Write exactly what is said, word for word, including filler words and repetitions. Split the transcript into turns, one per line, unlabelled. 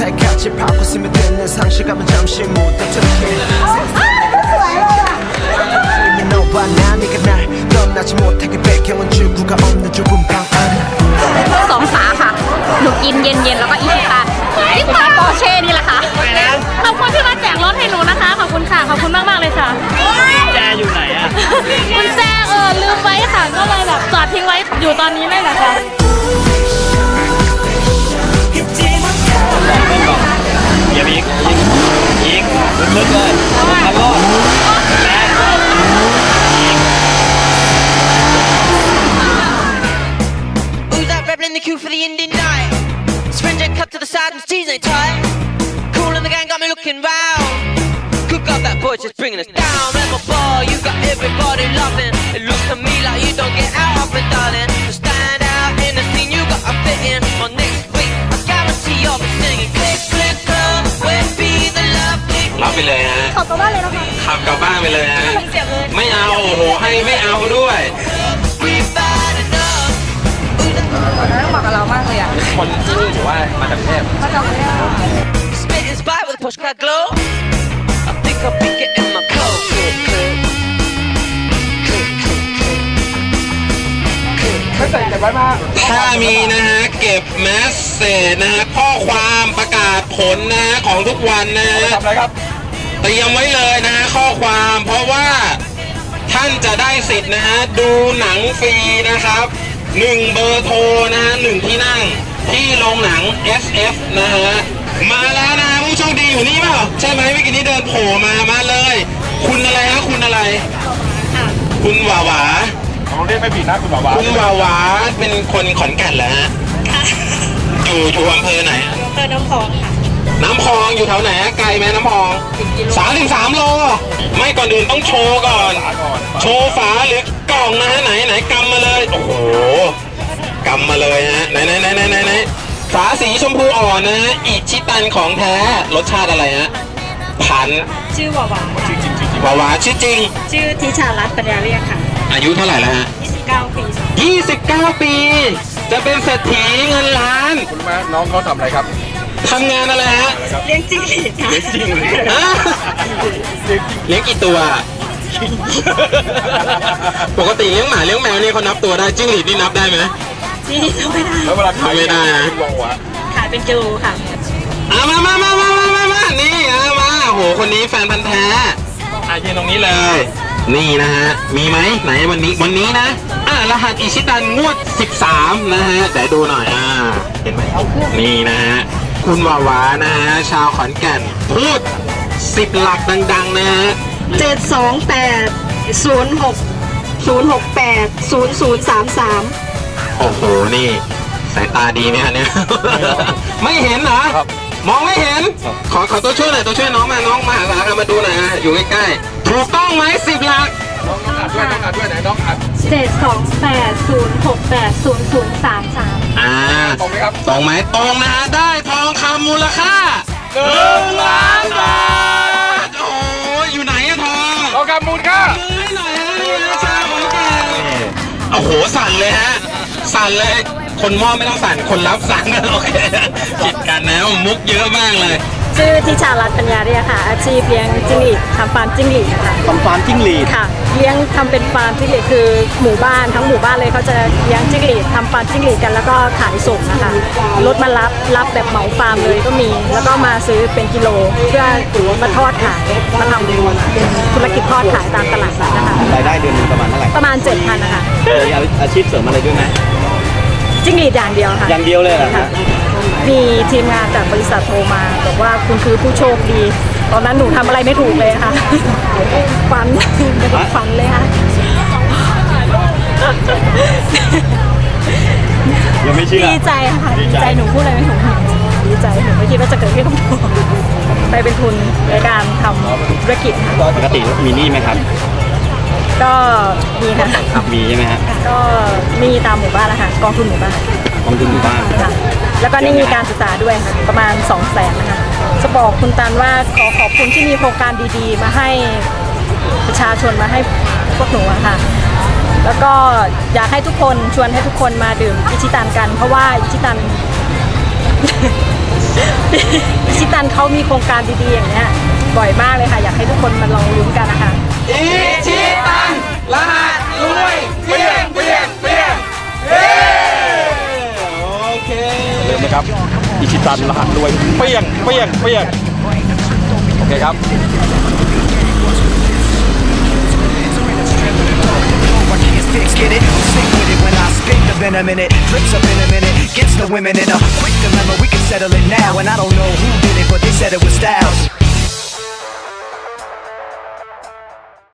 받고 쓰면 되는 상실감은 잠시 묻어두게 너와 나 네가 날 떠나지 못하게 배경은 출구가 없는 좁은 방 안에
สองฝาค่ะหนูกินเย็นๆแล้วก็อีกค่ะอีกค่ะปอร์เช่นี่แหละค่ะขอบคุณที่มาแจกรถให้หนูนะคะขอบคุณค่ะขอบคุณมากๆเลยค่ะ
แจอยู่ไหนอะ
คุณแจเออลืมไว้ค่ะก็เลยแบบจอดทิ้งไว้อยู่ตอนนี้เลยนะคะ
อย่าอีกอีกอีกลึกๆเลยทำรอดแรง
Who's that rebel in the queue for the Indian night? Syringe cut to the side and G's ain't tight. Cool in the gang got me looking round. Cook up that boy just bringing us down. Rebel ball, you got everybody loving. It looks to me like you don't get out of it, darling. To stand out in the scene, you got a fit in. On next week, I guarantee you'll be singing. Click, click, club, where be the love click.
รับไปเลยฮะ
ขับกลับบ้านเลยนะคะ
ขับกลับบ้านไปเลยฮะไม่เอาโอ้โหให้ไม่เอาด้วย
ต้องบอกกับเรามากเลยอ่ะ
คนที่หรือว่ามาจากเทพ
มาจากเทพ
ถ้ามีนะฮะเก็บแมสเซจนะฮะข้อความประกาศผลนะฮะของทุกวันนะฮะเตรียมไว้เลยนะฮะข้อความเพราะว่าท่านจะได้สิทธิ์นะฮะดูหนังฟรีนะครับหนึ่งเบอร์โทรนะฮะหนึ่งที่นั่งที่โรงหนัง เอส เอฟ นะฮะมาแล้วนะผู้โชคดีอยู่นี่เปล่าใช่ไหมเมื่อกี้นี้เดินโผล่มามาเลยคุณอะไรฮะคุณอะไรคุณหวาหวา
เราเรียกไม่ผิดนะคุณหวาหวา
คุณหวาหวาเป็นคนขอนแก่นเหรอฮะอยู่อยู่อำเภอไหน
อำเภอน้ำพองค่ะ
น้ำพองอยู่แถวไหนไกลไหมน้ำพองสามถึงสามโลไม่ก่อนอื่นต้องโชว์ก่อนโชว์ฝาหรือกล่องนะฮะไหนไหนกำมาเลยโอ้โหกำมาเลยฮะไหนไหนไหนไหนไหนไหนฝาสีชมพูอ่อนนะฮะอิชิตันของแท้รสชาติอะไรฮะพัน
ชื่อวาวา
ชื่อจริงชื่อจริงวาวาชื่อจริง
ชื่อทิชารัตน์ปัญญาเรียกค่ะ
อายุเท่าไหร่แล้วฮะ
ยี่สิบเก้าปี
ยี่สิบเก้าปีจะเป็นเศรษฐีเงินล้าน
คุณแม่น้องเขาทำอะไรครับ
ทำงานอะไรฮะ
เลี้ยงจิ้งหรีดค่ะ
เลี้ยงจิ้งหรีด
เลี้ยงกี่ตัวปกติเลี้ยงหมาเลี้ยงแมวนี่เขานับตัวได้จิ้งหรีดนี่นับได้ไหม
จิ้งหรีดนับไม่ได้
แล้วเวลาขาย
ไม่ได้
ขายเป็นกิโลค่ะ
อ่ะมามามามามามามานี่อ่ะมาโหคนนี้แฟนพันธ์แท้อ่ะยืนตรงนี้เลยนี่นะฮะมีไหมไหนวันนี้วันนี้นะอ่ะรหัสอิชิตันงวดสิบสามนะฮะเดี๋ยวดูหน่อยอ่าเห็นไหมนี่นะฮะคุณวาวานะฮะชาวขอนแก่นพูดสิบหลักดังๆนะฮะ
เจ็ดสองแปดศูนย์หกศูนย์หกแปดศูนย์ศูนย์สามสาม
โอ้โหนี่สายตาดีไหมฮะเนี่ยไม่เห็นเหรอมองไม่เห็นขอขอตัวช่วยหน่อยตัวช่วยน้องมาน้องมาหาสามาดูหน่อยฮะอยู่ใกล้ๆถูกต้องไหมสิบหลัก
น้องอัดด้วยน้องอัดด้วยไหนน้องอัด
เจ็ดสองแปดศูนย์หกแปดศูนย์ศูนย์สามสาม
อ่า
ตรงไหมครับ
ตรงไหมตรงนะฮะได้ทองคำมูลค่าหนึ่งล้านบาทโอ้ยอยู่ไหนอะทอง
ทองคำมูลค่า
ให้หน่อยฮะชาวขอนแก่นโอ้โหสั่นเลยฮะสั่นเลยคนมอบไม่ต้องสั่นคนรับสั่นโอเคผิดกันนะมุกเยอะมากเลย
ชื่อทิชารัตน์ปัญญาเรียกค่ะอาชีพเลี้ยงจิ้งหรีดทำฟาร์มจิ้งหรีดค่ะ
ทำฟาร์มจิ้งหรีด
ค่ะเลี้ยงทำเป็นฟาร์มจิ้งหรีดคือหมู่บ้านทั้งหมู่บ้านเลยเขาจะเลี้ยงจิ้งหรีดทำฟาร์มจิ้งหรีดกันแล้วก็ขายส่งนะคะรถมารับรับแบบเหมาฟาร์มเลยก็มีแล้วก็มาซื้อเป็นกิโลเพื่อมาทอดขายมาทำเป็นธุรกิจทอดขายตามตลาดนัดนะคะ
รายได้เดือนนึงประมาณเท่าไหร่
ประมาณเจ็ดพันนะคะ
มีอาชีพเสริมอะไรด้วยไหม
จิ้งหรีดอย่างเดียวค่ะ
อย่างเดียวเลยค่ะ
มีทีมงานจากบริษัทโทรมาบอกว่าคุณคือผู้โชคดีตอนนั้นหนูทำอะไรไม่ถูกเลยค่ะฝันฝันเลยค่ะ
ยังไม่เชื่อ
ดีใจค่ะดีใจหนูพูดอะไรไม่ถูกดีใจหนูไม่คิดว่าจะเกิดขึ้นกับหนูไปเป็นทุนในการทำธุรกิจ
ปกติมีหนี้ไหมครับ
ก็มีค่ะ
มีใช่ไหมฮะ
ก็มีตามหมู่บ้านแล้วค่ะกองทุนหมู่บ้าน
กองทุนหมู่บ้าน
แล้วก็นี่มีการศึกษาด้วยค่ะประมาณสองแสนนะคะจะบอกคุณตันว่าขอขอบคุณที่มีโครงการดีๆมาให้ประชาชนมาให้พวกหนูอะค่ะแล้วก็อยากให้ทุกคนชวนให้ทุกคนมาดื่มอิชิตันกันเพราะว่าอิชิตันอิชิตันเขามีโครงการดีๆอย่างเงี้ยบ่อยมากเลยค่ะอยากให้ทุกคนมาลองลุ้นกันนะคะ
อิชิตันรหัสรวยเปี้ยงเปี้ยงเปี้ยงโอเค
เริ่มนะครับอิชิตันรหัสรวยเปี้ยงเปี้ยงเปี้ยงโอเคครับ
Get it? Stick with it when I spit the venom in it. Drips up in a minute, gets the women in a quick dilemma. We can settle it now, and I don't know who did it, but they said it was Styles.